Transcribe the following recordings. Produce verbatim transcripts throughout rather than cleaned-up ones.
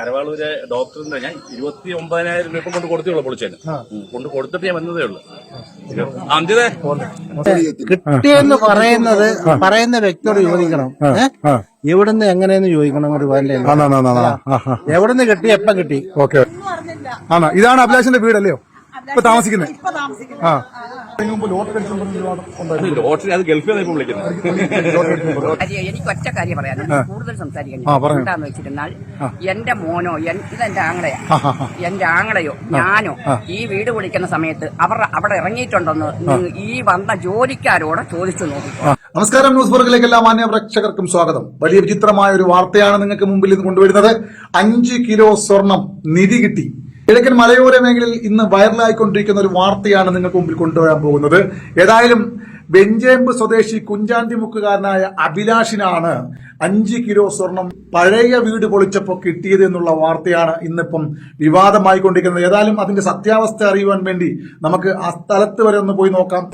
കരവാളൂര് ഡോക്ടറിന്റെ ഞാൻ ഇരുപത്തി ഒമ്പതിനായിരം രൂപ കൊണ്ട് കൊടുത്തുള്ളൂ പൊളിച്ചതിന് കൊണ്ട് കൊടുത്തിട്ട് ഞാൻ വന്നതേ ഉള്ളൂ. അഞ്ചതേ കിട്ടിയെന്ന് പറയുന്നത് പറയുന്ന വ്യക്തിയോട് ചോദിക്കണം. എവിടുന്ന് എങ്ങനെയെന്ന് ചോദിക്കണം. ഒരു എവിടുന്ന് കിട്ടി, എപ്പം കിട്ടി. ഓക്കെ, ആണോ? ഇതാണ് അഭിലാഷിന്റെ വീടല്ലയോ ഇപ്പൊ താമസിക്കുന്നത്? ആ, ലോട്ടറി അത് ഗൾഫിൽ നിന്ന് വിളിക്കുന്നത്. എനിക്ക് ഒറ്റ കാര്യം പറയാനുണ്ട്, കൂടുതൽ സംസാരിക്കാൻ. എന്താന്ന് വെച്ചിരുന്നാൽ എന്റെ മോനോ ഇതെന്റെ ആങ്ങളെയോ എന്റെ ആങ്ങളെയോ ഞാനോ ഈ വീട് വിളിക്കുന്ന സമയത്ത് അവർ അവിടെ ഇറങ്ങിയിട്ടുണ്ടെന്ന് ഈ വന്ന ജോലിക്കാരോട് ചോദിച്ചു നോക്കി. നമസ്കാരം, ന്യൂസ് ബർഗിലേക്ക് എല്ലാ മാന്യ പ്രേക്ഷകർക്കും സ്വാഗതം. വലിയ വിചിത്രമായ ഒരു വാർത്തയാണ് നിങ്ങൾക്ക് മുമ്പിൽ ഇത് കൊണ്ടുവരുന്നത്. അഞ്ച് കിലോ സ്വർണം നിധി കിട്ടി. കിഴക്കൻ മലയോര മേഖലയിൽ ഇന്ന് വൈറലായിക്കൊണ്ടിരിക്കുന്ന ഒരു വാർത്തയാണ് നിങ്ങൾക്ക് മുമ്പിൽ കൊണ്ടുവരാൻ പോകുന്നത്. ഏതായാലും വെഞ്ചേമ്പ് സ്വദേശി കുഞ്ചാണ്ടിമുക്കുകാരനായ അഭിലാഷിനാണ് അഞ്ച് കിലോ സ്വർണം പഴയ വീട് പൊളിച്ചപ്പോൾ കിട്ടിയത് എന്നുള്ള വാർത്തയാണ് ഇന്നിപ്പം വിവാദമായിക്കൊണ്ടിരിക്കുന്നത്. ഏതായാലും അതിന്റെ സത്യാവസ്ഥ അറിയുവാൻ വേണ്ടി നമുക്ക് ആ സ്ഥലത്ത് വരെ ഒന്ന് പോയി നോക്കാം.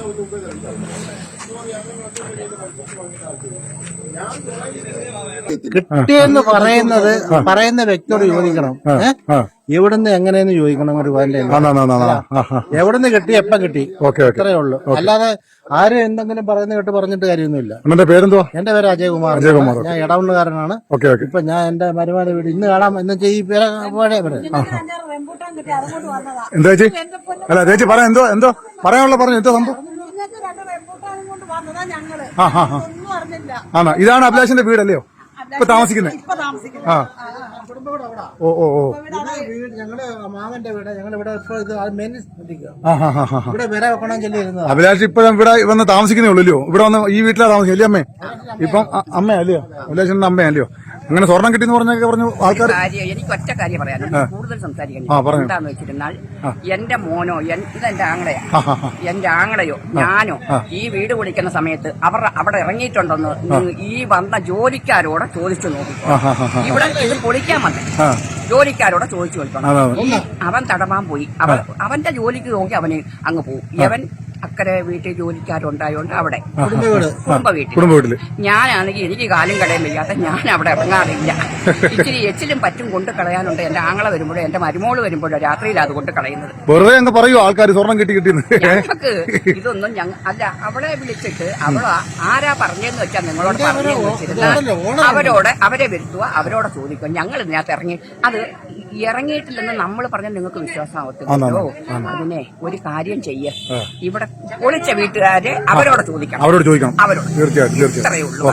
കിട്ടിയെന്ന് പറയുന്നത് പറയുന്ന വ്യക്തിയോട് ചോദിക്കണം. എവിടുന്ന് എങ്ങനെയെന്ന് ചോദിക്കണം. ഒരു എവിടുന്ന് കിട്ടി, എപ്പം കിട്ടി, ഇത്രയേ ഉള്ളൂ. അല്ലാതെ ആരും എന്തെങ്കിലും പറയുന്ന കേട്ട് പറഞ്ഞിട്ട് കാര്യമൊന്നുമില്ല. എന്റെ പേരെന്തോ? എന്റെ പേര് അജയകുമാർ. ഞാൻ ഇടവണ്ണുകാരനാണ്. ഇപ്പൊ ഞാൻ എന്റെ മരുമാന വീട് ഇന്ന് കാണാം എന്ന് വെച്ചാൽ ഈ പേര് പഴയ പേര്. എന്താ ചേച്ചി? അല്ല ചേച്ചി പറയാം, എന്തോ എന്തോ പറയാനുള്ള പറഞ്ഞു. എന്തോ സംഭവം? ആണോ? ഇതാണ് അഭിലാഷിന്റെ വീടല്ലയോ ഇപ്പൊ താമസിക്കുന്നത്? ആ, ഓ ഓ ഓ ഞങ്ങളുടെ മാമന്റെ വീട്. ഞങ്ങളിവിടെ ഇവിടെ വില വെക്കണം ചെല്ലിരുന്നത്. അഭിലാഷ് ഇപ്പൊ ഇവിടെ വന്ന് താമസിക്കുന്നേ ഉള്ളൂ. ഇവിടെ വന്ന് ഈ വീട്ടിലാണ് താമസിക്കും അല്ലേ അമ്മേ? ഇപ്പം അമ്മ അല്ലയോ? അഭിലാഷിന്റെ അമ്മ അല്ലയോ? അങ്ങനെ സ്വർണം കിട്ടിയെന്ന് പറഞ്ഞൊക്കെ പറഞ്ഞു ആൾക്കാർ. എനിക്ക് ഒറ്റ കാര്യം പറയാനുണ്ട്, കൂടുതൽ സംസാരിക്കാൻ. എന്താന്ന് വെച്ചിരുന്നാൽ എന്റെ മോനോ ഇതെന്റെ ആങ്ങളെയോ എന്റെ ആങ്ങളെയോ ഞാനോ ഈ വീട് വിളിക്കുന്ന സമയത്ത് അവർ അവിടെ ഇറങ്ങിയിട്ടുണ്ടെന്ന് ഈ വന്ന ജോലിക്കാരോട് ചോദിച്ചു നോക്കി. ഇവിടെ ഇത് പൊളിക്കാൻ വന്നേ ജോലിക്കാരോട് ചോദിച്ചു നോക്കണം. അവൻ തടവാൻ പോയി. അവൻ അവന്റെ ജോലിക്ക് നോക്കി അവന് അങ്ങ് പോകും. അവൻ അക്കരെ വീട്ടിൽ ജോലിക്കാരുണ്ടായോണ്ട് അവിടെ കുടുംബ വീട്ടിൽ. ഞാനാണെങ്കിൽ എനിക്ക് കാലും കടയും വയ്യാത്ത ഞാൻ അവിടെ ഇറങ്ങാറില്ല. ഇച്ചിരി എച്ചിലും പറ്റും കൊണ്ട് കളയാനുണ്ട്. എന്റെ ആങ്ങളെ വരുമ്പോഴോ എന്റെ മരുമോള് വരുമ്പോഴോ രാത്രിയിൽ അത് കൊണ്ട് കളയുന്നത്. വെറുതെ അങ്ങ് പറയൂ ആൾക്കാർ സ്വർണം കിട്ടി കിട്ടി. ഞങ്ങൾക്ക് ഇതൊന്നും ഞങ്ങൾ അല്ല. അവളെ വിളിച്ചിട്ട് അവള് ആരാ പറഞ്ഞെന്ന് വെച്ചാൽ നിങ്ങളോട് പറഞ്ഞെന്ന് വെച്ചിരുന്നാൽ അവരോട് അവരെ വരുത്തുക, അവരോട് ചോദിക്കുക. ഞങ്ങൾ ഇതിനകത്ത് ഇറങ്ങി അത് ഇറങ്ങിയിട്ടില്ലെന്ന് നമ്മൾ പറഞ്ഞാൽ നിങ്ങൾക്ക് വിശ്വാസമാവത്തില്ലല്ലോ. അതിനെ ഒരു കാര്യം ചെയ്യ, ഇവിടെ പൊളിച്ച വീട്ടുകാരെ അവരോട് ചോദിക്കണം. അവരോട് ചോദിക്കണം അവരോട് തീർച്ചയായിട്ടും. ഇത്രയേ ഉള്ളൂ.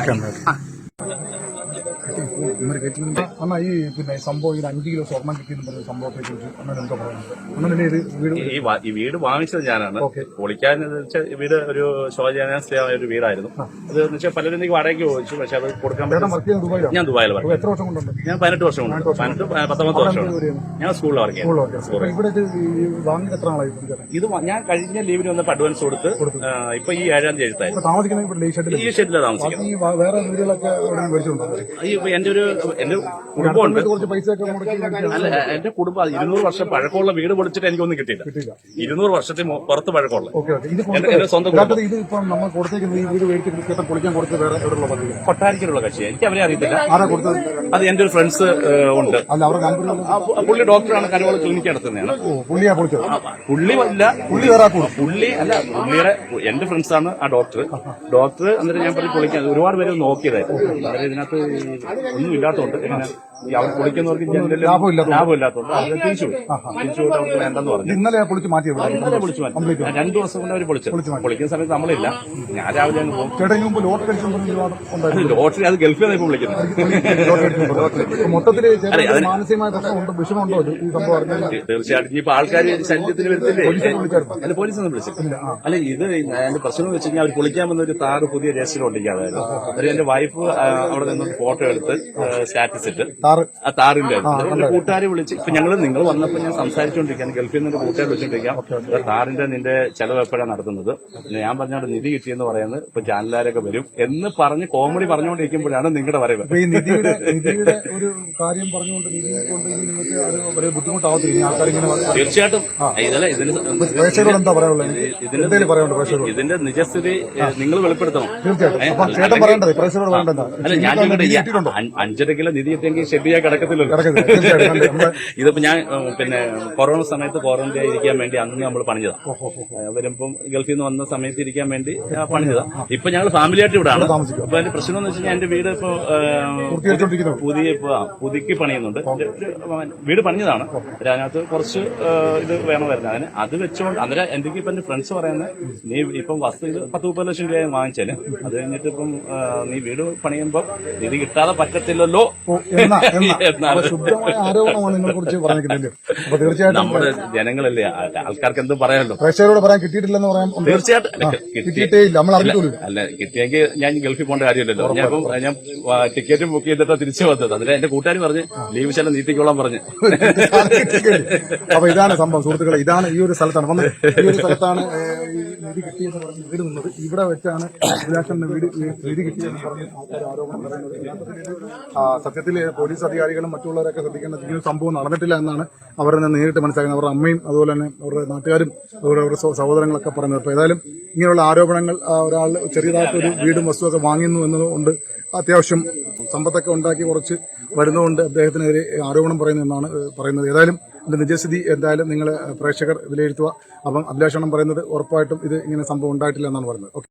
അമ്മ ഈ പിന്നെ സംഭവം ഇത് അഞ്ച് കിലോ സ്വർണം കിട്ടിയെന്ന് പറഞ്ഞ സംഭവത്തെ കുറിച്ച് അമ്മ എന്തോ പറയുന്നത്? ഈ വീട് വാങ്ങിച്ചത് ഞാനാണ്. പൊളിക്കാൻ വീട് ഒരു ശോചനീയമായ ഒരു വീടായിരുന്നു. അത് വെച്ചാൽ പലരും എനിക്ക് വാടകയ്ക്ക് ചോദിച്ചു. പക്ഷെ അത് കൊടുക്കാൻ പറ്റും. ഞാൻ ദുബായിൽ വർക്ക്. എത്ര വർഷം കൊണ്ടുണ്ട്? ഞാൻ പതിനെട്ട് വർഷം കൊണ്ട് പതിനെട്ട് പത്തൊമ്പത് വർഷമാണ് ഞാൻ സ്കൂളിൽ വർക്ക് ചെയ്യുന്നത്. ഇത് ഞാൻ കഴിഞ്ഞ ലീവിന് വന്നപ്പോൾ അഡ്വാൻസ് കൊടുത്ത് ഇപ്പൊ ഈ ഏഴാം തീയതി എഴുത്തായിരുന്നു. ഈ ഷെഡിലാണ് താമസിക്കുന്നത്. എന്റെ ഒരു എന്റെ കുടുംബമുണ്ട്. അല്ല, എന്റെ കുടുംബം ഇരുന്നൂറ് വർഷം പഴക്കമുള്ള വീട് പൊളിച്ചിട്ട് എനിക്കൊന്നും കിട്ടിയില്ല. ഇരുന്നൂറ് വർഷത്തിൽ പുറത്ത് പഴക്കമുള്ള എന്റെ സ്വന്തം കൊട്ടാരിക്കലുള്ള കക്ഷിയാണ്. എനിക്ക് അവരെ അറിയത്തില്ല. അത് എന്റെ ഒരു ഫ്രണ്ട്സ് ഉണ്ട്. പുള്ളി ഡോക്ടറാണ്. കരുവാള ക്ലിനിക്ക് നടത്തുന്നതാണ്. പുള്ളി അല്ല പുള്ളി അല്ല പുള്ളിയുടെ എന്റെ ഫ്രണ്ട്സാണ് ആ ഡോക്ടർ. ഡോക്ടർ എന്നിട്ട് ഞാൻ പറഞ്ഞ് പൊളിക്കാൻ ഒരുപാട് പേര് നോക്കിയതായിരുന്നു. അന്നേരം ഇതിനകത്ത് ഒന്നും ഇല്ലാത്തതുകൊണ്ട് ഇങ്ങനെ അവർ പൊളിക്കുന്നവർക്ക് ലാഭമില്ലാത്തതുകൊണ്ട് അവർ തിരിച്ചു തിരിച്ചു പോയിട്ട് അവർക്ക് വേണ്ടെന്ന് പറഞ്ഞു. ഇന്നലെ പൊളിച്ച് മാറ്റി ഇന്നലെ പൊളിച്ചു മാറ്റി രണ്ടു ദിവസം കൊണ്ട് അവർ പൊളിച്ചു. പൊളിക്കുന്ന സമയത്ത് നമ്മളില്ല. ഞാൻ രാവിലെ അങ്ങ് പോകും. ലോട്ടറി അത് ഗൾഫിൽ നിന്ന് വിളിക്കുന്നത്. തീർച്ചയായിട്ടും ഇപ്പൊ ആൾക്കാർ ശല്യത്തിന് വരുത്തില്ലേ? അല്ല, പോലീസൊന്നും വിളിച്ചിട്ടില്ല. അല്ല, ഇത് എന്റെ പ്രശ്നം വെച്ച് കഴിഞ്ഞാൽ അവർ പൊളിക്കാൻ വന്ന ഒരു താറ് പുതിയ രജിസ്റ്റർ ഒട്ടിക്കാതായിരുന്നു. ഒരു എന്റെ വൈഫ് അവിടെ നിന്ന് ഫോട്ടോ എടുത്ത് സ്റ്റാറ്റസ് ഇട്ട് ആ താറിന്റെ എന്റെ കൂട്ടുകാരെ വിളിച്ച് ഇപ്പൊ ഞങ്ങള് നിങ്ങൾ വന്നപ്പോൾ ഞാൻ സംസാരിച്ചുകൊണ്ടിരിക്കുകയാണ്. ഗൾഫിൽ നിന്ന് കൂട്ടുകാർ വിളിച്ചോണ്ടിരിക്കാം താറിന്റെ നിന്റെ ചെലവ് എപ്പോഴാണ് നടത്തുന്നത്. ഞാൻ പറഞ്ഞോണ്ട് നിധി കിട്ടിയെന്ന് പറയുന്നത് ഇപ്പൊ ചാനലുകാരൊക്കെ വരും എന്ന് പറഞ്ഞ് കോമഡി പറഞ്ഞുകൊണ്ടിരിക്കുമ്പോഴാണ് നിങ്ങളുടെ വരവ്. ഒരു കാര്യം പറഞ്ഞുകൊണ്ട് തീർച്ചയായിട്ടും ഇതിലെ ഇതിന്റെ നിജസ്ഥിതി നിങ്ങൾ വെളിപ്പെടുത്തണം. അല്ല, ഞാൻ അഞ്ചര കിലോ നിധി എത്തിയെങ്കിൽ ഷെഡ് ചെയ്യാൻ കിടക്കത്തില്ലല്ലോ. ഇതിപ്പോ ഞാൻ ഏഹ്, പിന്നെ കൊറോണ സമയത്ത് ക്വാറന്റൈൻ ഇരിക്കാൻ വേണ്ടി അന്ന് നമ്മൾ പണിഞ്ഞതാ. വരുമ്പം ഗൾഫിൽ നിന്ന് വന്ന സമയത്ത് ഇരിക്കാൻ വേണ്ടി ആ, പണിഞ്ഞതാ. ഇപ്പൊ ഞങ്ങൾ ഫാമിലി ആയിട്ട് ഇവിടെ ആണ്. അപ്പൊ അതിന്റെ പ്രശ്നം എന്ന് വെച്ച് കഴിഞ്ഞാൽ എന്റെ വീട് ഇപ്പൊ ഏഹ്, പുതിയ ഇപ്പൊ ആ, പുതുക്കി പണിയുന്നുണ്ട്. ഒരു വീട് പണിഞ്ഞതാണ്. അതിനകത്ത് കുറച്ച് ഏഹ്, ഇത് വേണമായിരുന്നു. അതിന് അത് വെച്ചോണ്ട് അന്നേരം എന്തൊക്കെ ഇപ്പൊ എന്റെ ഫ്രണ്ട്സ് പറയുന്നത്, നീ ഇപ്പം വസ്തു ഇത് പത്ത് മുപ്പത് ലക്ഷം രൂപ വാങ്ങിച്ചാല് അത് കഴിഞ്ഞിട്ട് ഇപ്പം ആ, നീ വീട് പണിയുമ്പോ ഇത് കിട്ടാതെ പറ്റത്തില്ലല്ലോ എന്നാണ്. ശുദ്ധമായ ആരോപണമാണ് നിങ്ങളെ കുറിച്ച് പറഞ്ഞിട്ടില്ലേ? അപ്പൊ തീർച്ചയായിട്ടും നമ്മുടെ ജനങ്ങളല്ലേ, ആ- ആൾക്കാർക്ക് എന്തും പറയാമല്ലോ. പ്രേക്ഷകരോട് പറയാൻ കിട്ടിയിട്ടില്ലെന്ന് പറയാൻ തീർച്ചയായിട്ടും അല്ല, കിട്ടി- കിട്ടിയിട്ടേ ഇല്ല, നമ്മൾ അറിഞ്ഞിട്ടുള്ളൂ. അല്ല കിട്ടിയെങ്കിൽ ഞാൻ ഗൾഫിൽ പോകേണ്ട കാര്യമില്ലല്ലോ. ഞാൻ ഇപ്പം ഞാൻ ടിക്കറ്റ് ബുക്ക് ചെയ്തിട്ട് തിരിച്ചു വന്നത്. അതിന് എന്റെ കൂട്ടുകാർ പറഞ്ഞ് ലീവ് ശാലം നീട്ടിക്കോളാൻ പറഞ്ഞു. അപ്പൊ ഇതാണ് സംഭവം സുഹൃത്തുക്കളെ, ഇതാണ് ഈ ഒരു സ്ഥലത്താണ് വന്ന് ഈ ഒരു സ്ഥലത്താണ് ഏഹ്, ഈ നിധി കിട്ടിയെന്ന് പറഞ്ഞ് വീട് നിന്നത്. ഇവിടെ വെച്ചാണ് അഭിലാഷന്റെ വീട് നിധി കിട്ടിയെന്ന് പറഞ്ഞ് ആൾക്കാർ ആരോപണം പറയുന്നത്. യഥാർത്ഥത്തിൽ ആ, സത്യത്തിൽ പോലീസ് അധികാരികളും മറ്റുള്ളവരൊക്കെ ശ്രദ്ധിക്കേണ്ട ഈ ഒരു സംഭവം നടന്നിട്ടില്ല എന്നാണ് അവർ തന്നെ നേരിട്ട് മനസ്സിലാക്കുന്നത്. അവരുടെ അമ്മയും അതുപോലെ തന്നെ അവരുടെ നാട്ടുകാരും അതുപോലെ അവരുടെ സഹ- സഹോദരങ്ങളൊക്കെ പറയുന്നത്. അപ്പൊ ഏതായാലും ഇങ്ങനെയുള്ള ആരോപണങ്ങൾ ആ, ഒരാൾ ചെറിയതായിട്ടൊരു വീടും വസ്തുവൊക്കെ വാങ്ങുന്നു എന്നതുകൊണ്ട് അത്യാവശ്യം സമ്പത്തൊക്കെ ഉണ്ടാക്കി കുറച്ച് വരുന്നതുകൊണ്ട് അദ്ദേഹത്തിനെതിരെ ആരോപണം പറയുന്നതെന്നാണ് ഏഹ്, പറയുന്നത്. ഏതായാലും ഇതിന്റെ നിജസ്ഥിതി എന്തായാലും നിങ്ങൾ പ്രേക്ഷകർ വിലയിരുത്തുക. അപ്പം അഭിലാഷണം പറയുന്നത് ഉറപ്പായിട്ടും ഇത് ഇങ്ങനെ സംഭവം ഉണ്ടായിട്ടില്ല എന്നാണ് പറയുന്നത്. ഓക്കെ.